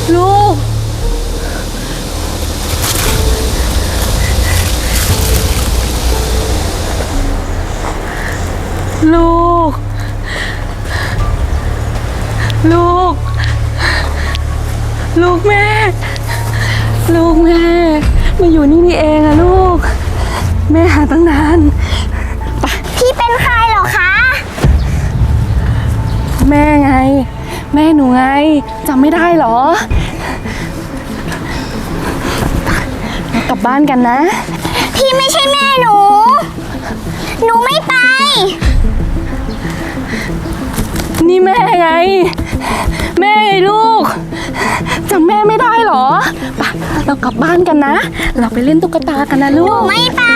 ลูกลูกลูกลูกแม่ลูกแม่มาอยู่นี่นี่เองอะลูกแม่หาตั้งนานพี่เป็นใครเหรอคะแม่ไงแม่หนูไงจำไม่ได้เหรอ กลับบ้านกันนะพี่ไม่ใช่แม่หนูไม่ไปนี่แม่ไงแม่ไงลูกจำแม่ไม่ได้เหรอไปเรากลับบ้านกันนะเราไปเล่นตุ๊กตากันนะลูกไม่ไป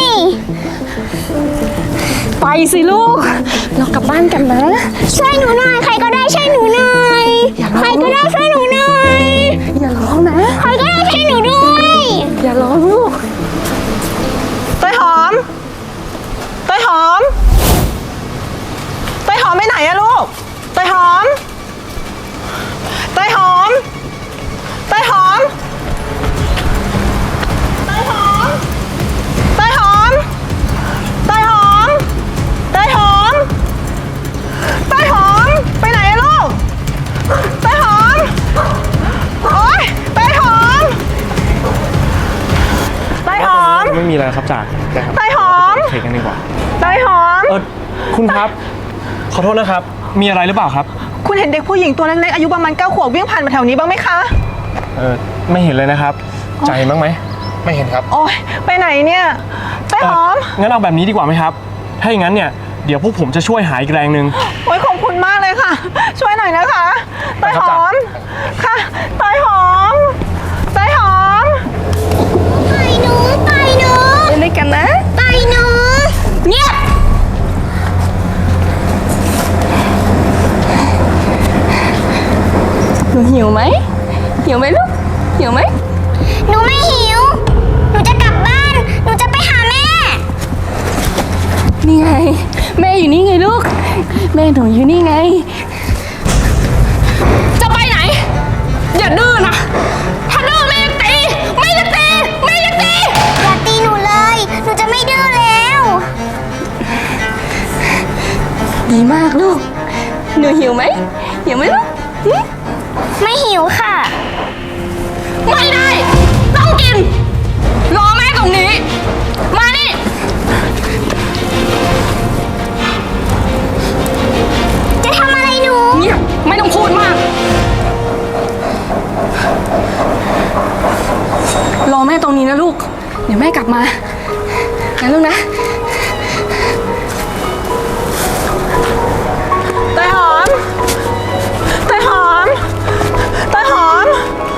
ไปสิลูกเรากลับบ้านกันนะช่วยหนูหน่อยใครก็ได้ช่วยหนูหน่อยใครก็ได้ช่วยหนูหน่อยอย่าร้องนะใครก็ได้ช่วยหนูด้วยอย่าร้องลูกเต้ยหอมเต้ยหอมเต้ยหอมไปไหนอะลูกเต้ยหอมเต้ยหอมเต้ยหอมเต้ยหอมเต้ยหอมเต้ยหอมเต้ยหอมเต้ยหอมไปไหนอะลูกเต้ยหอมโอ๊ยเต้ยหอมเต้ยหอมไม่มีอะไรครับจ่าเต้ยหอมเทกันดีกว่าเต้ยหอมคุณครับขอโทษนะครับมีอะไรหรือเปล่าครับคุณเห็นเด็กผู้หญิงตัวเล็กๆอายุประมาณ9 ขวบวิ่งผ่านมาแถวนี้บ้างไหมคะไม่เห็นเลยนะครับจ่าเห็นบ้างไหมไม่เห็นครับโอ๊ยไปไหนเนี่ยเต้ยหอมงั้นเอาแบบนี้ดีกว่าไหมครับถ้าอย่างนั้นเนี่ยเดี๋ยวพวกผมจะช่วยหาอีกแรงหนึ่งโอ๊ยขอบคุณมากเลยค่ะช่วยหน่อยนะคะเต้ยหอมค่ะเต้ยหอมเต้ยหอมไปหนูเล่นด้วยกันนะไปหนูเงียบหนูหิวไหมลูกหิวไหมหนูไม่หิวหนูจะกลับบ้านหนูจะไปหาแม่นี่ไงแม่อยู่นี่ไงลูกแม่หนูอยู่นี่ไงจะไปไหนอย่าดื้อนะถ้าดื้อแม่จะตีอย่าตีหนูเลยหนูจะไม่ดื้อแล้วดีมากลูกหนูหิวไหมลูกไม่หิวค่ะไม่ได้ต้องกินรอแม่ตรงนี้มานี่จะทำอะไรหนูเงียบไม่ต้องพูดมากรอแม่ตรงนี้นะลูกเดี๋ยวแม่กลับมานะลูกนะเต้ยหอมเต้ยหอมเต้ยหอม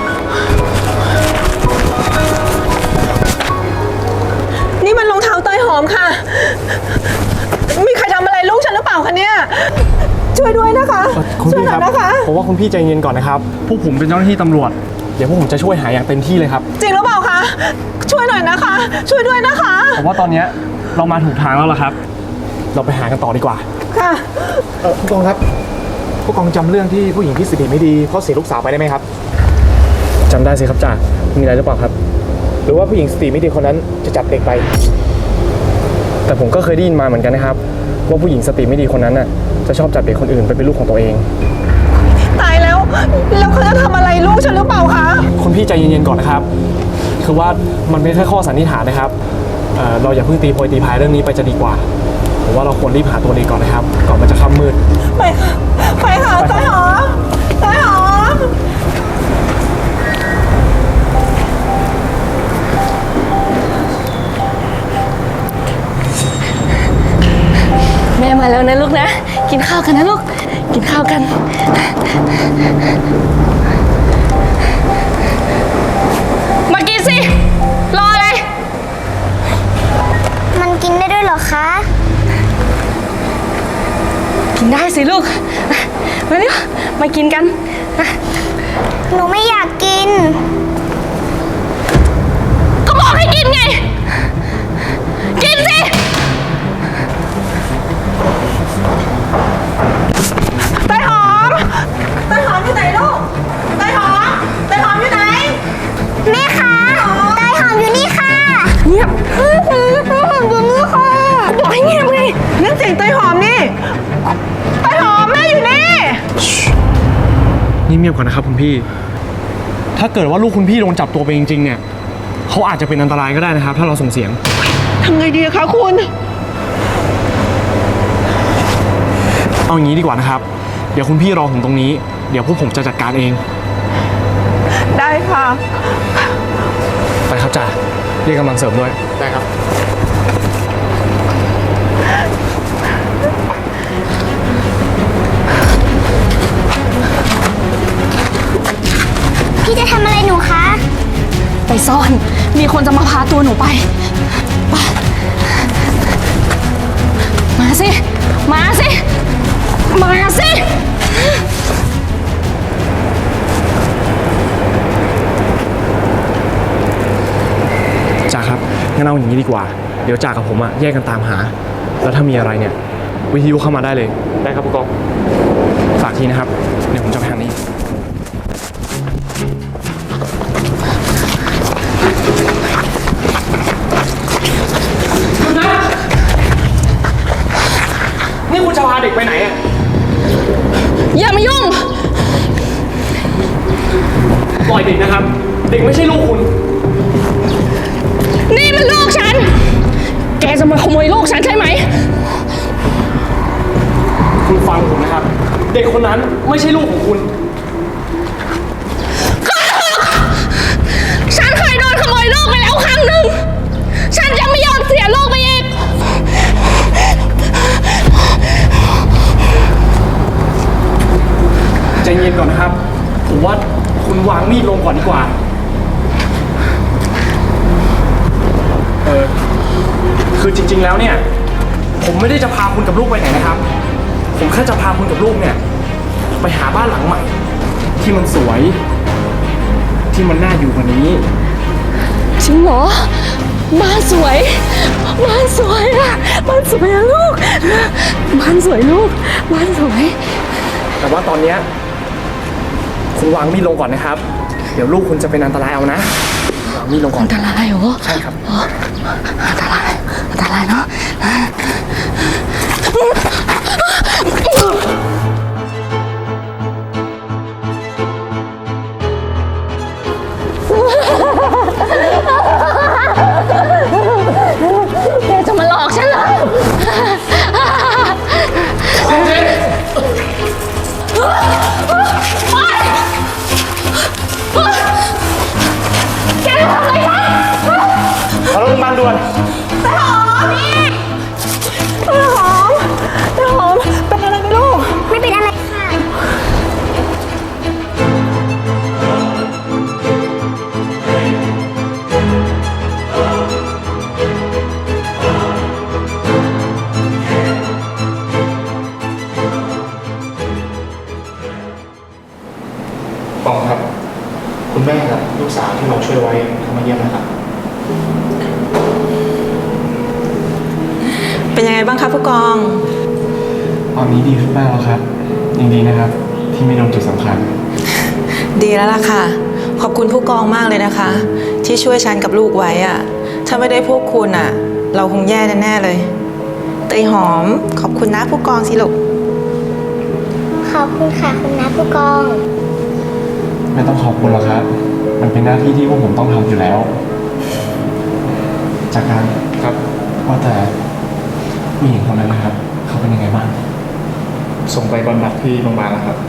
นี่มันรองเท้าเต้ยหอมค่ะมีใครทำอะไรลูกฉันหรือเปล่าคะเนี่ยช่วยด้วยนะคะช่วยหน่อยนะคะผมว่าคุณพี่ใจเย็นก่อนนะครับพวกผมเป็นเจ้าหน้าที่ตำรวจเดี๋ยวพวกผมจะช่วยหาอย่างเต็มที่เลยครับจริงหรือเปล่าคะช่วยหน่อยนะคะช่วยด้วยนะคะผมว่าตอนนี้เรามาถูกทางแล้วล่ะครับเราไปหากันต่อดีกว่าค่ะผู้กองครับผู้กองจำเรื่องที่ผู้หญิงที่สติไม่ดีเพราะเสียลูกสาวไปได้ไหมครับจำได้สิครับจ่ามีอะไรหรือเปล่าครับหรือว่าผู้หญิงสติไม่ดีคนนั้นจะจับเด็กไปแต่ผมก็เคยได้ยินมาเหมือนกันนะครับว่าผู้หญิงสติไม่ดีคนนั้นน่ะจะชอบจับเด็กคนอื่นไปเป็นลูกของตัวเองตายแล้วเขาจะทำอะไรลูกฉันหรือเปล่าคะคุณพี่ใจเย็นๆก่อนนะครับคือว่ามันเป็นแค่ข้อสันนิษฐานนะครับเราอย่าเพิ่งตีโพยตีพายเรื่องนี้ไปจะดีกว่าผมว่าเราควรรีบหาตัวเด็กก่อนนะครับก่อนมันจะค่ำมืดไปค่ะเต้ยหอมแม่มาแล้วนะลูกนะกินข้าวกันนะลูกกินข้าวกันมากินสิรออะไรมันกินได้ด้วยเหรอคะกินได้สิลูกมาเร็วมากินกันหนูไม่อยากกินก็บอกให้กินไงกินสิเต้ยหอมอยู่ไหนลูกเต้ยหอมเงียบๆก่อนนะครับคุณพี่ ถ้าเกิดว่าลูกคุณพี่โดนจับตัวไปจริงๆเนี่ยเขาอาจจะเป็นอันตรายก็ได้นะครับ ถ้าเราส่งเสียงทำไงดีคะคุณเอาอย่างนี้ดีกว่านะครับ เดี๋ยวคุณพี่รอผมตรงนี้ เดี๋ยวพวกผมจะจัดการเองได้ค่ะไปครับจ่าเรียกกำลังเสริมด้วย ได้ครับพี่จะทำอะไรหนูคะไปซ่อน มีคนจะมาพาตัวหนูไป มาสิ มาสิ มาสิจ่าครับงั้นเอาอย่างนี้ดีกว่า เดี๋ยวจ่ากับผมแยกกันตามหา แล้วถ้ามีอะไรเนี่ยวิทยุเข้ามาได้เลย ได้ครับผู้กอง ฝากทีนะครับ เดี๋ยวผมจะไปทางนี้ นี่คุณจะพาเด็กไปไหนอะอย่ามายุ่งปล่อยเด็กนะครับ เด็กไม่ใช่ลูกคุณนี่มันลูกฉัน แกจะมาขโมยลูกฉันใช่ไหมคุณฟังผมนะครับ เด็กคนนั้นไม่ใช่ลูกของคุณฉันเคยโดนขโมยลูกไปแล้วครั้งหนึ่ง ฉันจะไม่ยอมเสียลูกไปอีกใจเย็นก่อนนะครับ ผมว่าคุณวางมีดลงก่อนดีกว่า คือจริงๆแล้วเนี่ย ผมไม่ได้จะพาคุณกับลูกไปไหนนะครับ ผมแค่จะพาคุณกับลูกเนี่ย ไปหาบ้านหลังใหม่ ที่มันสวย ที่มันน่าอยู่กว่านี้จริงเหรอ บ้านสวย บ้านสวยอะบ้านสวยอะลูก บ้านสวยลูก บ้านสวยแต่ว่าตอนเนี้ยคุณวางมีดลงก่อนนะครับ เดี๋ยวลูกคุณจะเป็นอันตรายเอานะวางมีดลงก่อนอันตรายเหรอใช่ครับอันตราย อันตรายเนาะ แกจะมาหลอกฉันเหรอ แกทำอะไรฉันเอาลงมาด่วนแต่หอม เป็นอะไรไหมลูกไม่เป็นอะไรค่ะปองครับ คุณแม่กับลูกสาวที่เราช่วยไว้เขามาเยี่ยมนะครับเป็นยังไงบ้างครับผู้กองตอนนี้ดีขึ้นมากแล้วครับยังดีนะครับ ที่ไม่โดนจุดสำคัญดีแล้วล่ะค่ะ ขอบคุณผู้กองมากเลยนะคะ ที่ช่วยฉันกับลูกไว้อะถ้าไม่ได้พวกคุณอะเราคงแย่แน่ๆเลยเตยหอมขอบคุณนะผู้กองสิลูกขอบคุณค่ะคุณน้าผู้กองไม่ต้องขอบคุณหรอกครับ มันเป็นหน้าที่ที่พวกผมต้องทำอยู่แล้ว จากการครับว่าแต่ผู้หญิงคนนั้นนะครับ เขาเป็นยังไงบ้าง ส่งไปบำบัดที่โรงพยาบาลแล้วครับ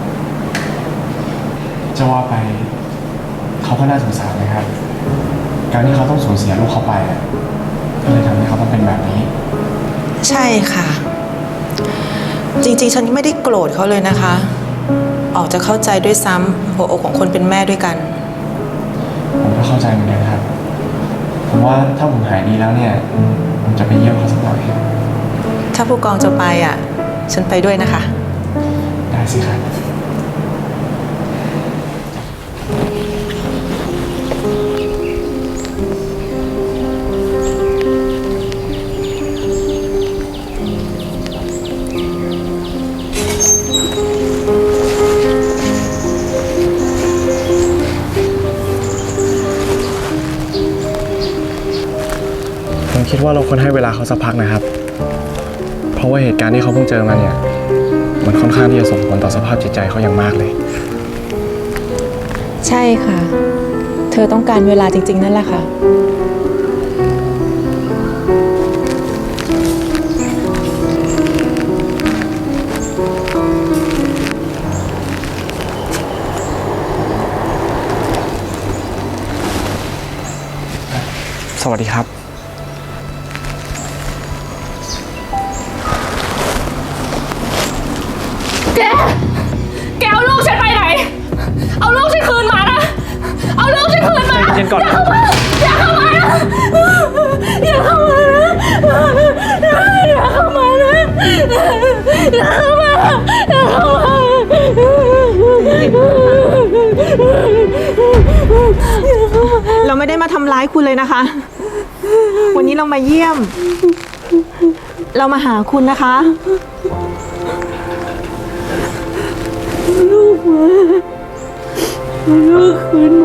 จะว่าไปเขาก็น่าสงสารนะครับ การที่เขาต้องสูญเสียลูกเขาไปก็เลยทำให้เขาต้องเป็นแบบนี้ใช่ค่ะ จริงๆฉันไม่ได้โกรธเขาเลยนะคะ ออกจะเข้าใจด้วยซ้ำหัวอกของคนเป็นแม่ด้วยกันผมก็เข้าใจเหมือนกันครับ ผมว่าถ้าผมหายดีแล้วเนี่ยผมจะไปเยี่ยมเขาสักหน่อยถ้าผู้กองจะไปอ่ะ ฉันไปด้วยนะคะได้สิครับ ผมคิดว่าเราควรให้เวลาเขาสักพักนะครับ เพราะว่าเหตุการณ์ที่เขาเพิ่งเจอมาเนี่ย มันค่อนข้างที่จะส่งผลต่อสภาพจิตใจเขาอย่างมากเลยใช่ค่ะ เธอต้องการเวลาจริงๆนั่นแหละค่ะสวัสดีครับแกเอาลูกฉันไปไหน เอาลูกฉันคืนมานะ เอาลูกฉันคืนมาใจเย็นๆก่อนอย่าเข้ามานะอย่าเข้ามานะอย่าเข้ามานะอย่าเข้ามาอย่าเข้ามาเราไม่ได้มาทำร้ายคุณเลยนะคะ วันนี้เรามาเยี่ยม เรามาหาคุณนะคะลูกคืนมา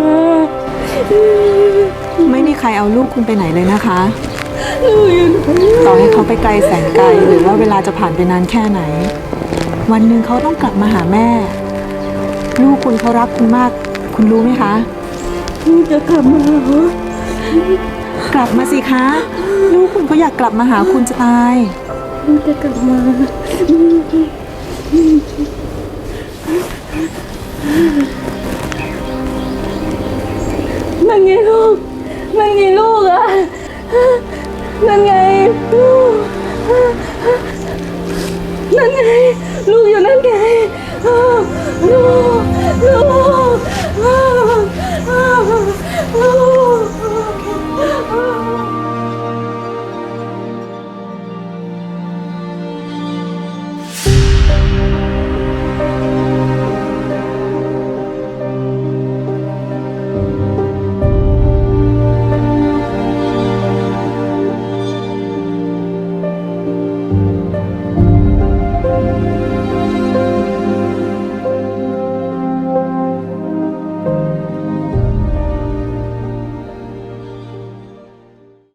ไม่มีใครเอาลูกคุณไปไหนเลยนะคะลูกอยู่ไหนต่อให้เขาไปไกลแสนไกลหรือว่าเวลาจะผ่านไปนานแค่ไหน วันหนึ่งเขาต้องกลับมาหาแม่ ลูกคุณเขารักคุณมาก คุณรู้ไหมคะลูกจะกลับมาเหรอกลับมาสิคะ ลูกคุณเขาอยากกลับมาหาคุณจะตายลูกจะกลับมานั่นไงลูกนั่นไงลูกอะนั่นไงลูกนั่นไงลูกอยู่นั่นไงลูก